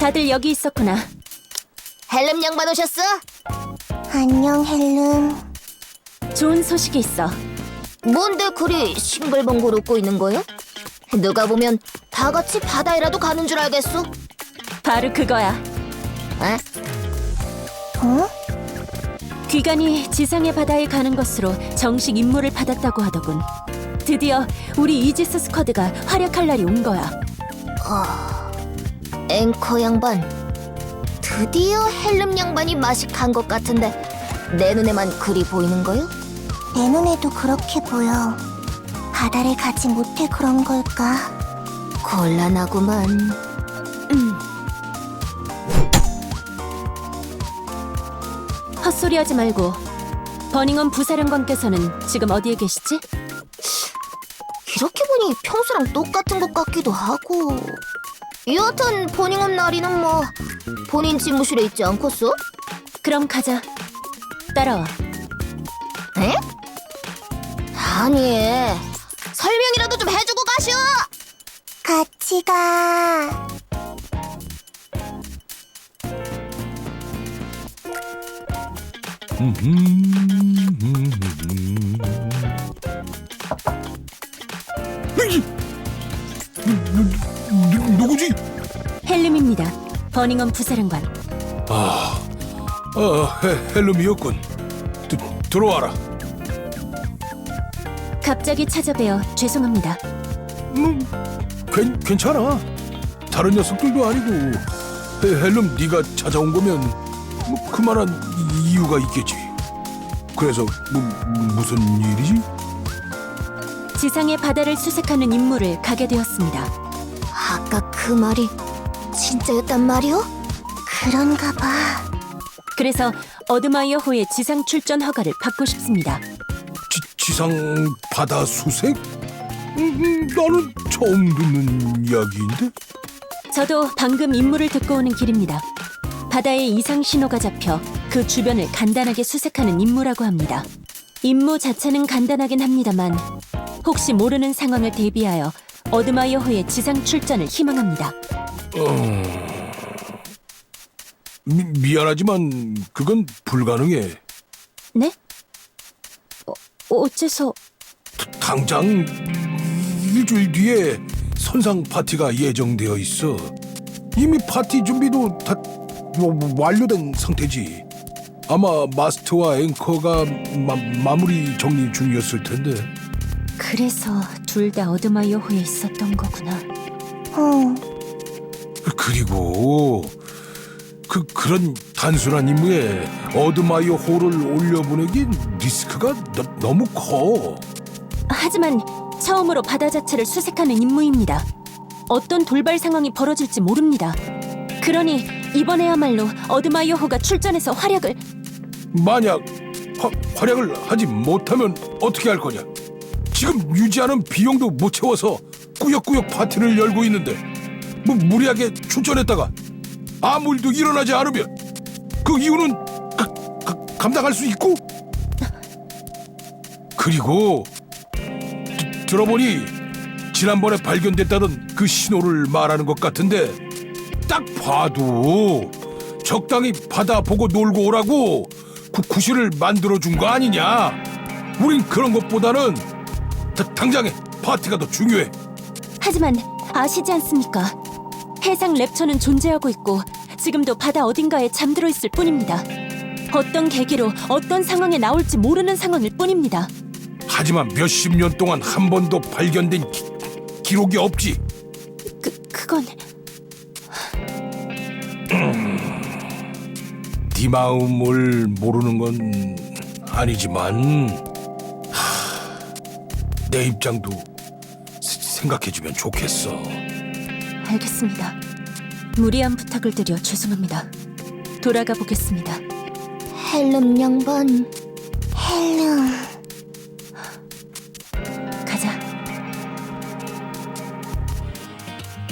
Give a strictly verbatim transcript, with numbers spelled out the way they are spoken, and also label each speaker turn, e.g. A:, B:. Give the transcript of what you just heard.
A: 다들 여기 있었구나.
B: 헬름 양반 오셨어?
C: 안녕, 헬름.
A: 좋은 소식이 있어.
B: 뭔데 그리 싱글벙글 웃고 있는 거요? 누가 보면 다 같이 바다에라도 가는 줄 알겠어?
A: 바로 그거야.
B: 에?
C: 어?
A: 귀간이 지상의 바다에 가는 것으로 정식 임무를 받았다고 하더군. 드디어 우리 이지스 스쿼드가 활약할 날이 온 거야.
B: 앵커 양반, 드디어 헬름 양반이 맛이 간 것 같은데 내 눈에만 그리 보이는 거요?
C: 내 눈에도 그렇게 보여. 바다를 가지 못해 그런 걸까?
B: 곤란하구만.
A: 음. 헛소리하지 말고. 버닝엄 부사령관께서는 지금 어디에 계시지?
B: 이렇게 보니 평소랑 똑같은 것 같기도 하고. 여하튼 버닝엄 나리는 뭐 본인 집무실에 있지 않겠어?
A: 그럼 가자. 따라와.
B: 에? 아니, 설명이라도 좀 해주고 가시오!
C: 같이 가.
D: 누, 누구지?
A: 헬름입니다. 버닝엄 부사령관.
D: 아, 아 헬, 헬름이었군. 드, 들어와라.
A: 갑자기 찾아뵈어 죄송합니다.
D: 음, 괜, 괜찮아. 다른 녀석들도 아니고 헬, 헬름 네가 찾아온 거면 뭐 그만한 이유가 있겠지. 그래서 뭐, 무슨 일이지?
A: 지상의 바다를 수색하는 임무를 가게 되었습니다.
B: 아까 그 말이 진짜였단 말이오?
C: 그런가 봐.
A: 그래서 어드마이어 호의 지상 출전 허가를 받고 싶습니다.
D: 지, 지상 바다 수색? 음, 음, 나는 처음 듣는 이야기인데?
A: 저도 방금 임무를 듣고 오는 길입니다. 바다에 이상 신호가 잡혀 그 주변을 간단하게 수색하는 임무라고 합니다. 임무 자체는 간단하긴 합니다만 혹시 모르는 상황을 대비하여 어드마이어 호의 지상 출전을 희망합니다.
D: 어... 미, 미안하지만 그건 불가능해.
A: 네? 어, 어째서...
D: 당장 일주일 뒤에 선상 파티가 예정되어 있어. 이미 파티 준비도 다 완료된 상태지. 아마 마스터와 앵커가 마, 마무리 정리 중이었을 텐데.
A: 그래서 둘 다 어드마이어 호에 있었던 거구나.
C: 응.
D: 그리고 그 그런 단순한 임무에 어드마이어 호를 올려보내긴 리스크가 너, 너무 커.
A: 하지만 처음으로 바다 자체를 수색하는 임무입니다. 어떤 돌발 상황이 벌어질지 모릅니다. 그러니 이번에야말로 어드마이어 호가 출전해서 활약을...
D: 만약 화, 활약을 하지 못하면 어떻게 할 거냐? 지금 유지하는 비용도 못 채워서 꾸역꾸역 파티를 열고 있는데 뭐 무리하게 출전했다가 아무 일도 일어나지 않으면 그 이유는 가, 가, 감당할 수 있고. 그리고 드, 들어보니 지난번에 발견됐다던 그 신호를 말하는 것 같은데 딱 봐도 적당히 바다 보고 놀고 오라고 구, 구실을 만들어준 거 아니냐. 우린 그런 것보다는 다, 당장에 파티가 더 중요해.
A: 하지만 아시지 않습니까? 해상 랩처는 존재하고 있고 지금도 바다 어딘가에 잠들어 있을 뿐입니다. 어떤 계기로 어떤 상황에 나올지 모르는 상황일 뿐입니다.
D: 하지만 몇십 년 동안 한 번도 발견된 기, 기록이 없지.
A: 그, 그건...
D: 네 마음을 모르는 건 아니지만 하, 내 입장도 세- 생각해주면 좋겠어.
A: 알겠습니다. 무리한 부탁을 드려 죄송합니다. 돌아가 보겠습니다.
B: 헬름 양반,
C: 헬름.